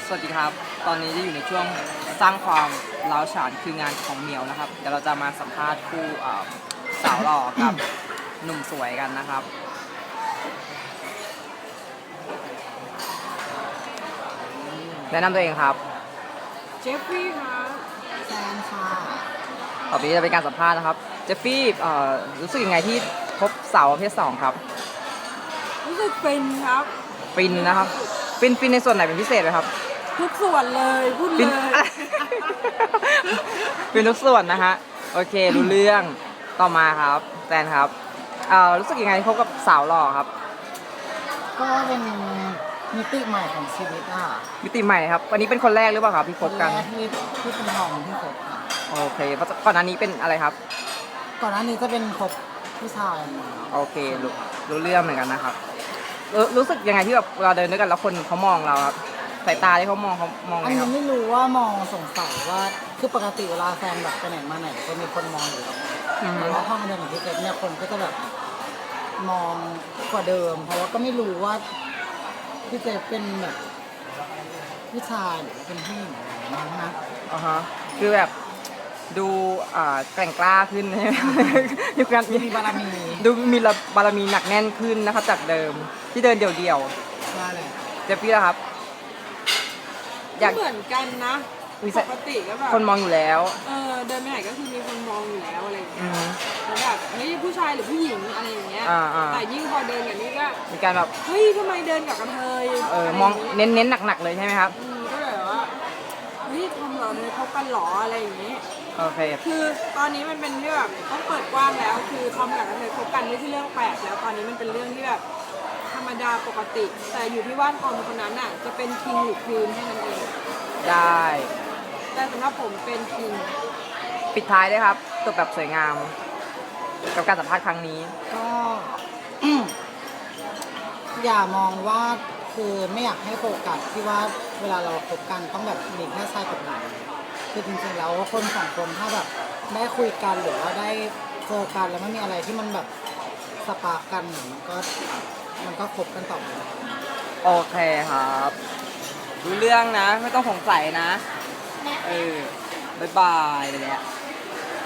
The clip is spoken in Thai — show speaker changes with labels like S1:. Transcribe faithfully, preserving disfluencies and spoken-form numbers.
S1: สวัสดีครับ ตอนนี้จะอยู่ในช่วงสร้างความร้าวฉานคืองานของเหมียวนะครับ เดี๋ยวเราจะมาสัมภาษณ์คู่อ่าสาวหล่อกับหนุ่มสวยกันนะครับ แนะนำตัวเองครับ
S2: เจฟฟี่ค่ะแซนค่ะ
S1: ต่อไปนี้จะเป็นการสัมภาษณ์นะครับ เจฟฟี่เอ่อรู้สึกยังไงที่พบสาวประเภทสองครับ
S2: รู้สึกเป็นครับ
S1: ฟินนะครับ ฟินฟินในส่วนไหนเป็นพิเศษไหมครับ
S2: ทุกส่วนเลยพูด
S1: ฟิ
S2: เล
S1: น
S2: ย
S1: ฟินทุกส่วนนะฮะ โอเครู้เรื่องต่อมาครับแซนครับเอ่อรู้สึกยังไงที่พบกับสาวหล่อครับ
S3: ก็เป็นมิติใหม่ของชีวิตอ่ะ
S1: มิติใหม่ครับ วันนี้เป็นคนแรกหรือเปล่าครับที่พบกัน
S3: คแรที่ที่เป็นทองที่คบค่ะ
S1: โอเคเพราะก่อนหน้านี้เป็นอะไรครับ
S3: ก่อนหน้านี้จะเป็นคบผู้ชาย
S1: โอเครู้รู้เรื่องเหมือนกันนะครับรู้รู้สึกยังไงที่แบบเวลาเดินด้วยกันแล้วคนเขามองเราครับสายตาที่เขามองเขามอง
S3: อั
S1: ไง
S3: น
S1: ค
S3: นี้
S1: รับ
S3: ไม่รู้ว่ามองสงสัยว่าคือปกติเวลาแฟนแบบไปไหนมาไหนก็มีคนมองอยู่แล้ว
S1: อือฮึ
S3: แต่ว่าห้องเดินของพี่เกดเนี่ยคนก็จะแบบมองกว่าเดิม เพราะว่าก็ไม่รู้ว่าพี่เจเป็นแบบผู้ชายหรือว่าเป็นผู้หญิงอะไรอย่างเงี้ยนะ
S1: อ่าฮะคือแบบดูอ่าแกร่งกล้าขึ้น ใช่ไหม มีการ
S3: มีบารมี
S1: ดูมีบารมีหนักแน่นขึ้นนะครับจากเดิมที่เดินเดี่ยว
S3: ว่าแหละ
S1: ๆเจฟฟี่แล้วครับ อยาก
S2: เหมือนกันนะ
S1: มี
S2: ป
S1: สาย
S2: กติก็แบบ
S1: คนมองอยู่แล้ว
S2: เออเดินไปไหนก็คือมีคนมองอยู่แล้วอะไรอย่าง
S1: อื
S2: เงี้ย
S1: ม
S2: แล้วแบบเฮ้ยผู้ชายหรือผู้หญิงอะไรอย่างเงี้ย
S1: อ่าอ่า
S2: แต่ยิ่งพอเดินแบบนี้ก็
S1: มีการแบบ
S2: เฮ้ยทำไมเดินกับกระเทย
S1: เออ
S2: อะไร
S1: มอง
S2: ย่า
S1: เน้นเน้นหนักๆเลยใช่ไหมครับ
S2: อืมก็เลยแบบว่าเฮ้ยทำเหรอเลยคบกันเหรออะไรอย่างเงี้ย
S1: โอเค
S2: คือตอนนี้มันเป็นที่แบบต้องเปิดกว้างแล้ว คือทอมกับกระเทยคบกันไม่ใช่เรื่องแปลกแล้ว ตอนนี้มันเป็นเรื่องที่แบบธรรมดาปกติ แต่อยู่ที่ว่าทอมคนนั้นอ่ะจะเป็นคิงหรือควีนแค่นั้นเอง
S1: ได้
S2: แต่สำหรับผมเป็นคิง
S1: ปิดท้ายด้วยครับจบแบบสวยงาม กับการสัมภาษณ์ครั้งนี้
S3: ก็ อย่ามองว่าคือไม่อยากให้โฟกัสที่ว่าเวลาเราคบกันต้องแบบมีแค่ชายกับหญิงคือจริงๆแล้วคนสองคนถ้าแบบได้คุยกันหรือว่าได้เจอกันแล้วไม่มีอะไรที่มันแบบสปาร์กกันเนี่ยมันก็มันก็คบกันต่อไป
S1: โอเคครับรู้เรื่องนะ ไม่ต้องสงสัยนะ เออ บ๊ายบายไปแล้ว